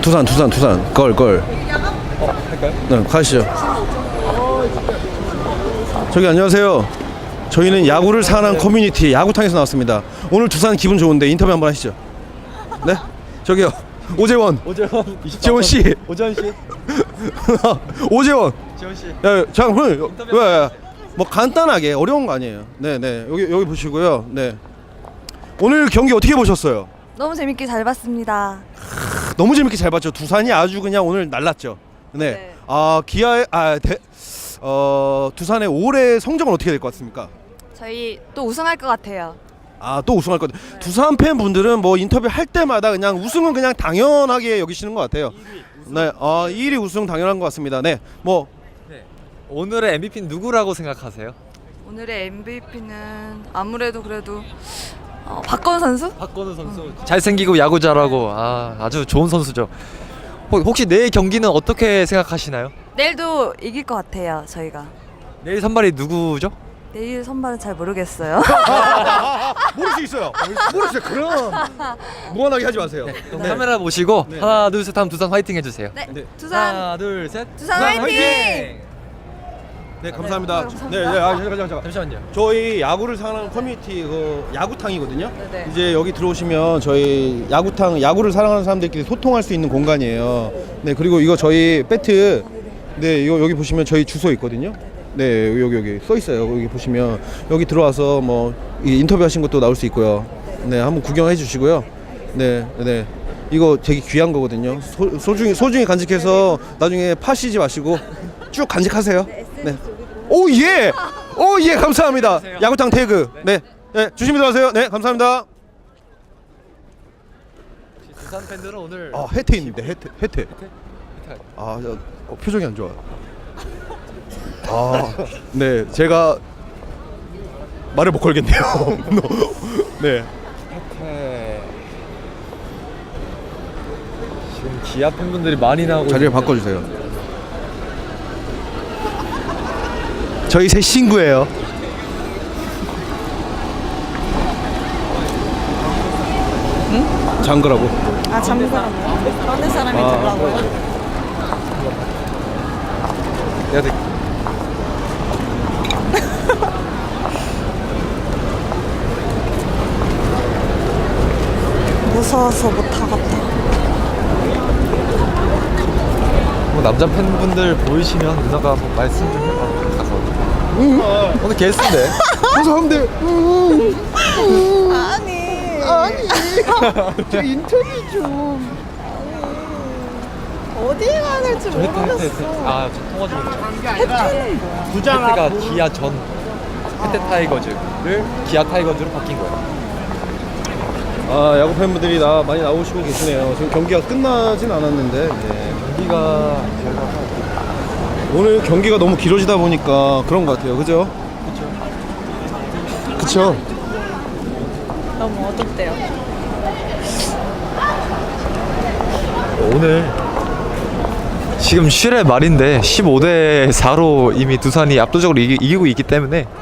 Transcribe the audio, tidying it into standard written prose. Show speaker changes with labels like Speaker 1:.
Speaker 1: 두산 걸.
Speaker 2: 할까요?
Speaker 1: 네, 가시죠. 저기 안녕하세요. 저희는 야구를 사랑하는 커뮤니티 야구탕에서 나왔습니다. 오늘 두산 기분 좋은데 인터뷰 한번 하시죠. 네? 저기요. 오재원 지원 씨.
Speaker 2: 오재원 씨.
Speaker 1: 오재원.
Speaker 2: 지원 씨.
Speaker 1: 야, 잠깐
Speaker 2: 인터뷰
Speaker 1: 왜? 뭐 간단하게 어려운 거 아니에요. 네. 여기 보시고요. 네. 오늘 경기 어떻게 보셨어요?
Speaker 3: 너무 재밌게 잘 봤습니다.
Speaker 1: 너무 재밌게 잘 봤죠. 두산이 아주 그냥 오늘 날랐죠. 네.
Speaker 3: 네.
Speaker 1: 두산의 올해 성적은 어떻게 될 것 같습니까?
Speaker 3: 저희 또 우승할 것 같아요.
Speaker 1: 또 우승할 것 같아요. 두산 팬분들은 뭐 인터뷰 할 때마다 그냥 우승은 그냥 당연하게 여기시는 것 같아요. 네. 1위 우승 당연한 것 같습니다. 네. 뭐
Speaker 2: 네. 오늘의 MVP는 누구라고 생각하세요?
Speaker 3: 오늘의 MVP는 아무래도 그래도 박건우 선수?
Speaker 2: 박건우 선수. 잘생기고 야구 잘하고 아주 좋은 선수죠. 혹시 내일 경기는 어떻게 생각하시나요?
Speaker 3: 내일도 이길 것 같아요. 저희가
Speaker 2: 내일 선발이 누구죠?
Speaker 3: 내일 선발은 잘 모르겠어요.
Speaker 1: 모를 수 있어요. 그럼 무한하게 하지 마세요.
Speaker 2: 그럼 카메라 보시고
Speaker 1: 네.
Speaker 2: 하나 둘 셋 하면 두산 화이팅 해주세요.
Speaker 3: 네,
Speaker 1: 네.
Speaker 3: 두산
Speaker 2: 하나 둘 셋.
Speaker 3: 두산 화이팅!
Speaker 1: 네, 감사합니다.
Speaker 3: 감사합니다.
Speaker 1: 잠깐.
Speaker 2: 잠시만요.
Speaker 1: 저희 야구를 사랑하는 커뮤니티 야구탕이거든요.
Speaker 3: 네.
Speaker 1: 이제 여기 들어오시면 저희 야구를 사랑하는 사람들끼리 소통할 수 있는 공간이에요. 네, 그리고 이거 저희 배트, 네, 이거 여기 보시면 저희 주소 있거든요. 네, 여기 써 있어요. 여기 보시면 여기 들어와서 뭐 인터뷰 하신 것도 나올 수 있고요. 네, 한번 구경해 주시고요. 네. 이거 되게 귀한 거거든요. 소중히 간직해서 나중에 파시지 마시고 쭉 간직하세요. 네. 오 예, 감사합니다. 야구탕 태그. 네, 조심히 들어가세요. 네, 감사합니다.
Speaker 2: 두산 팬들은 오늘
Speaker 1: 혜태 있는데 혜태. 표정이 안 좋아. 네, 제가 말을 못 걸겠네요. 네.
Speaker 2: 지금 기아 팬분들이 많이 나오고
Speaker 1: 자리를
Speaker 2: 있는데.
Speaker 1: 바꿔주세요. 저희 새 친구예요. 장거라고.
Speaker 3: 잠깐만요. 어느 사람이 들라고요?
Speaker 2: 내가 되-
Speaker 3: 무서워서 못 하겠다.
Speaker 2: 뭐 남자 팬분들 보이시면 누나가 뭐 말씀 좀 해봐 가서. 오늘 게스트인데.
Speaker 1: 감사합니다.
Speaker 3: 아니.
Speaker 1: 저 인터뷰 좀.
Speaker 3: 어디에 가는지
Speaker 2: 저 통화 좀 했죠.
Speaker 3: 부장
Speaker 2: 혜태가 기아 전 혜태 타이거즈를 기아 타이거즈로 바뀐 거예요.
Speaker 1: 야구 팬분들이 많이 나오시고 계시네요. 지금 경기가 끝나진 않았는데
Speaker 2: 경기가
Speaker 1: 오늘 경기가 너무 길어지다 보니까 그런 것 같아요. 그죠? 그쵸?
Speaker 3: 너무 어둡대요.
Speaker 2: 오늘 지금 7회 말인데 15대 4로 이미 두산이 압도적으로 이기고 있기 때문에